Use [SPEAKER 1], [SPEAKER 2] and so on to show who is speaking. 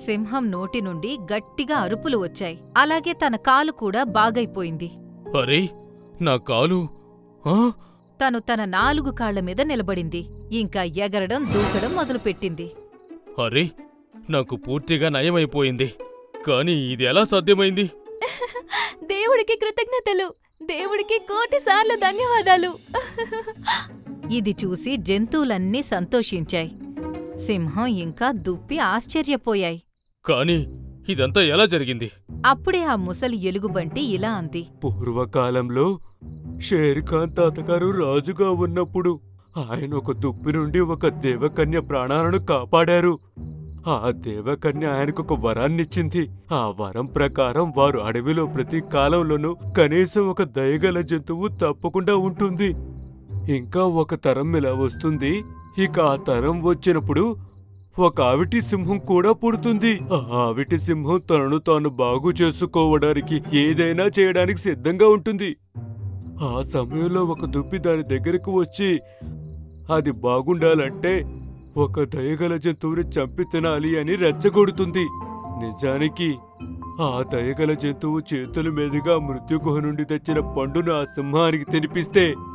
[SPEAKER 1] సింహం నోటి నుండి గట్టిగా అరుపులు వచ్చాయి. అలాగే తన కాలు కూడా బాగైపోయింది.
[SPEAKER 2] అరే, నా కాలు! ఆ
[SPEAKER 1] తను తన 4 కాళ్లమీద నిలబడింది. ఇంకా ఎగరడం దూకడం మొదలుపెట్టింది.
[SPEAKER 2] అరే, నాకు పూర్తిగా నయమైపోయింది. కాని ఇది ఎలా సాధ్యమైంది?
[SPEAKER 3] దేవుడికి కృతజ్ఞతలు. దేవుడికి 1,000,000 సార్లు ధన్యవాదాలు.
[SPEAKER 1] ఇది చూసి జంతువులన్నీ సంతోషించాయి. సింహం ఇంకా దుప్పి ఆశ్చర్యపోయాయి.
[SPEAKER 2] కాని ఇదంతా ఎలా జరిగింది?
[SPEAKER 1] అప్పుడే ఆ ముసలి ఎలుగుబంటి ఇలా అంది.
[SPEAKER 4] పూర్వకాలంలో షేర్ఖాన్ తాతగారు రాజుగా ఉన్నప్పుడు ఆయన ఒక దుప్పి నుండి ఒక దేవకన్య ప్రాణాలను కాపాడారు. ఆ దేవకన్య ఆయనకొక వరాన్నిచ్చింది. ఆ వరం ప్రకారం వారు అడవిలో ప్రతి కాలంలోనూ కనీసం ఒక దయగల జంతువు తప్పకుండా ఉంటుంది. ఇంకా ఒక తరం ఇలా వస్తుంది. ఇక ఆ తరం వచ్చినప్పుడు ఒక ఆవిటి సింహం కూడా పుడుతుంది. ఆ ఆవిటి సింహం తనను తాను బాగు చేసుకోవడానికి ఏదైనా చేయడానికి సిద్ధంగా ఉంటుంది. ఆ సమయంలో ఒక దుప్పి దాని దగ్గరకు వచ్చి అది బాగుండాలంటే ఒక దయగల జంతువుని చంపి తినాలి అని రెచ్చగొడుతుంది. నిజానికి ఆ దయగల జంతువు చేతుల మీదుగా మృత్యుగుహ నుండి తెచ్చిన పండును ఆ సింహానికి తినిపిస్తే